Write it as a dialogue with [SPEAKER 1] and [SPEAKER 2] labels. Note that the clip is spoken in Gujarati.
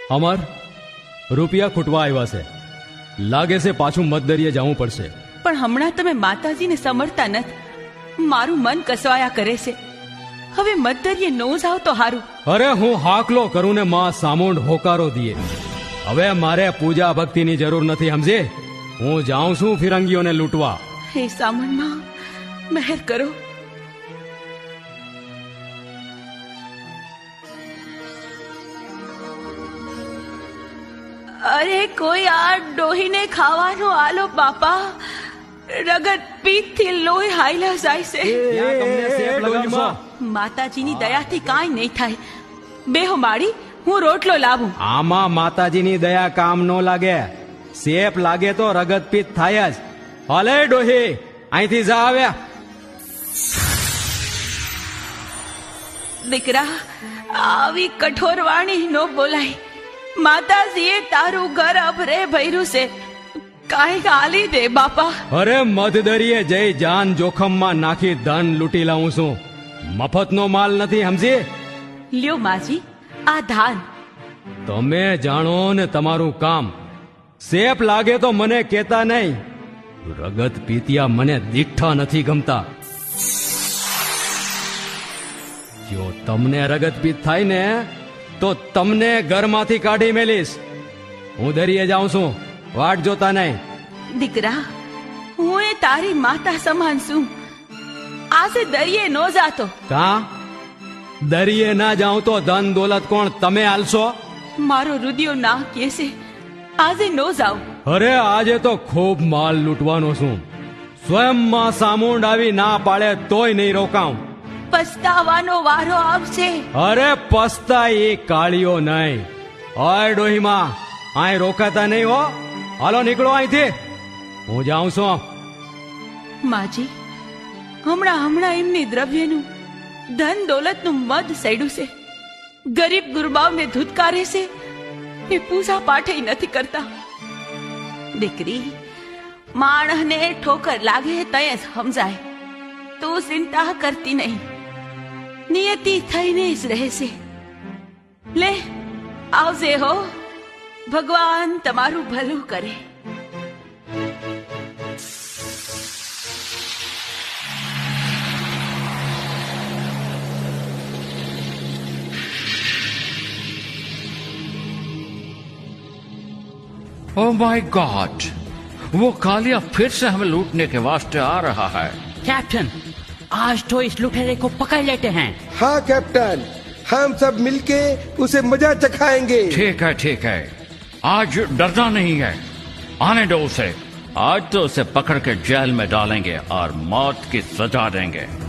[SPEAKER 1] અમર, રૂપિયા ખૂટવા આવ્યા છે. લાગે છે પાછું મતદરીએ જવું પડશે.
[SPEAKER 2] પણ હમણાં તમે માતાજીને સમરતા નથી. મારું મન કસવાયા કરે છે. હવે મતદરીએ નો જાવ તો હારું.
[SPEAKER 1] અરે હું હાકલો કરું ને માં સામુંડ હોકારો દીએ. હવે મારે પૂજા ભક્તિની જરૂર નથી, સમજે? હું જાઉં છું ફિરંગીઓને લૂંટવા.
[SPEAKER 2] હે સામણમાં મહેર કરો. અરે કોઈ આ ડોહીને ખાવાનું આલો બાપા. રગત પીત થી લોહી હાઈલા જાય છે. માતાજીની દયાથી કાંઈ નહીં થાય. બેહો માડી, હું રોટલો લાવું.
[SPEAKER 1] આમાં માતાજીની દયા કામ નો લાગે. સેપ લાગે તો રગત પીત થાય જ. હલે ડોહી, અહીંથી જા આવ્યા.
[SPEAKER 2] દીકરા, આવી કઠોર વાણી નો બોલાય. માતાજીએ તારું ઘર અભરે ભર્યું છે. કાંઈક આલી દે બાપા.
[SPEAKER 1] અરે મધદરીએ જઈ જાન જોખમમાં નાખી ધન લૂંટી લાવું છું. મફતનો માલ નથી, સમજી?
[SPEAKER 2] લ્યો માજી, આ ધાન.
[SPEAKER 1] તમે જાણો ને તમારું કામ. સેપ લાગે તો મને કેતા નહીં. રગત પીતિયા મને દીઠા નથી ગમતા. જો તમને રગત પીત થાય ને તો તમને ઘરમાંથી કાઢી મેલીશ. હું દરિયે જાઉં છું, વાટ જોતા નહીં.
[SPEAKER 2] દીકરા, હું એ તારી માતા સમાન છું. આજે દરિયે નો જાતો.
[SPEAKER 1] કા દરિયે ના જાઉં તો ધન દોલત કોણ તમે આલશો?
[SPEAKER 2] મારો રુદિયો ના કે છે આજે નો જાઉં.
[SPEAKER 1] અરે આજે તો ખૂબ માલ લૂંટવાનો છું. સ્વયં માં સામુંડ આવી ના પાડે તોય નહીં રોકાઉં.
[SPEAKER 2] પસ્તાવાનો વારો આવશે.
[SPEAKER 1] અરે પસ્તા એ કાળીઓ નહીં. ઓય ડોહીમાં, અહીં રોકાતા નહીં હો. હાલો નીકળો અહીંથી, હું જાઉં છું.
[SPEAKER 2] માજી, હમણાં એમની દ્રવ્યનું ધન દોલતનું મદ સડ્યું છે. ગરીબ ગુરબાવને ધૂતકારે છે. એ પૂજા પાઠે નથી કરતા. દીકરી, માણસને ઠોકર લાગે તય સમજાય. તું ચિંતા કરતી નહીં. નિયતિ થઈને જ રહેશે. લે આવજે હો. ભગવાન તમારું ભલું કરે.
[SPEAKER 3] ओह माय गॉड, वो कालिया फिर से हमें लूटने के वास्ते आ रहा है।
[SPEAKER 4] कैप्टन, आज तो इस लुटेरे को पकड़ लेते हैं।
[SPEAKER 5] हाँ कैप्टन, हम सब मिलके उसे मजा चखाएंगे।
[SPEAKER 3] ठीक है, आज डरना नहीं है। आने दो उसे। आज तो उसे पकड़ के जेल में डालेंगे और मौत की सजा देंगे।